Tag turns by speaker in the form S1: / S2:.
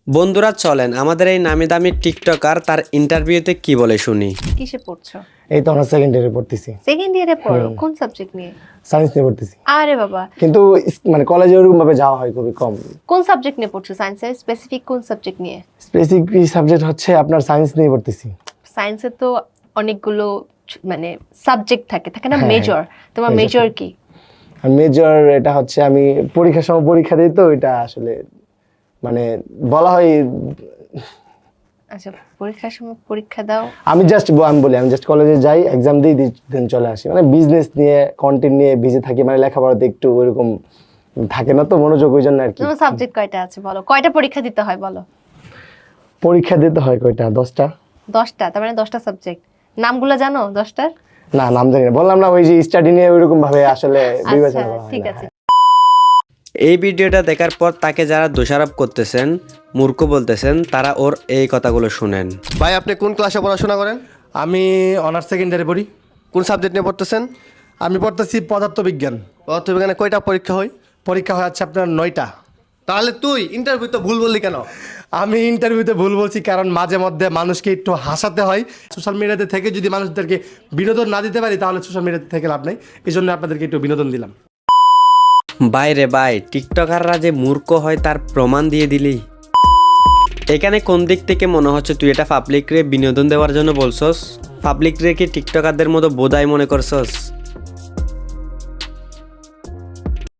S1: বন্ধুরা চলেন আমাদের এই নামি দামি টিকটকার তার ইন্টারভিউতে কি বলে শুনি।
S2: কিসে পড়ছো?
S3: এই তো আমরা সেকেন্ড ইয়ারে পড়তেছি।
S2: সেকেন্ড ইয়ারে পড়ো? কোন সাবজেক্ট নিয়ে?
S3: সায়েন্স নিয়ে পড়তেছি।
S2: আরে বাবা,
S3: কিন্তু মানে কলেজে ওরকম ভাবে যাওয়া হয় খুবই কম।
S2: কোন সাবজেক্ট নিয়ে পড়ছো? সায়েন্সের স্পেসিফিক কোন সাবজেক্ট নিয়ে?
S3: স্পেসিফিক সাবজেক্ট হচ্ছে আপনার সায়েন্স নিয়ে পড়তেছি।
S2: সায়েন্সে তো অনেকগুলো মানে সাবজেক্ট থাকে না,
S3: হ্যাঁ,
S2: মেজর। তোমার
S3: major
S2: মেজর কি?
S3: আর মেজর এটা হচ্ছে আমি পরীক্ষার সময় পরীক্ষা দিই, তো এটা আসলে মানে বলা হয়
S2: আচ্ছা, পরীক্ষার সময় পরীক্ষা দাও।
S3: আমি জাস্ট কলেজে যাই, এক্সাম দিই, দেন চলে আসি। মানে বিজনেস নিয়ে কন্টেন্ট নিয়ে বিজি থাকি, মানে লেখাপড়াতে একটু ওইরকম থাকে না তো মনোযোগ, ওই জন্য আর কি।
S2: তোমার সাবজেক্ট কয়টা আছে বলো? কয়টা পরীক্ষা দিতে হয় বলো?
S3: পরীক্ষা দিতে হয় কয়টা? 10টা।
S2: 10টা? তার মানে 10টা সাবজেক্ট। নামগুলো জানো 10টার?
S3: না, নাম জানি না, বললাম না ওই যে স্টাডি নিয়ে ওইরকম ভাবে আসলে বিবেচনা
S2: আচ্ছা
S3: করা হয়
S2: ঠিক
S3: না।
S2: আছে।
S1: এই ভিডিওটা দেখার পর তাকে যারা দোষারোপ করতেছেন, মূর্খ বলতেছেন, তারা ওর এই কথাগুলো শুনেন।
S4: ভাই আপনি কোন ক্লাসে পড়াশোনা করেন?
S5: আমি অনার্স সেকেন্ড ইয়ারে পড়ি।
S4: কোন সাবজেক্ট নিয়ে পড়তেছেন?
S5: আমি পড়তেছি পদার্থবিজ্ঞান।
S4: পদার্থবিজ্ঞানে কয়টা পরীক্ষা হয়?
S5: পরীক্ষা হয় হচ্ছে আপনার 9টা।
S4: তাহলে তুই ইন্টারভিউ তো ভুল বললি কেন?
S5: আমি ইন্টারভিউতে ভুল বলছি কারণ মাঝে মধ্যে মানুষকে একটু হাসাতে হয়। সোশ্যাল মিডিয়াতে থেকে যদি মানুষদেরকে বিনোদন না দিতে পারি তাহলে সোশ্যাল মিডিয়াতে থেকে লাভ নেই। এই জন্য আপনাদেরকে একটু বিনোদন দিলাম।
S1: বাইরে বাই, টিকটকাররা যে মূর্খ হয় তার প্রমাণ দিয়ে দিলি। এখানে কোন দিক থেকে মনে হচ্ছে তুই এটা পাবলিক রে বিনোদন দেওয়ার জন্য বলছস? পাবলিক রে কি টিকটকারদের মতো বোধাই মনে করছস?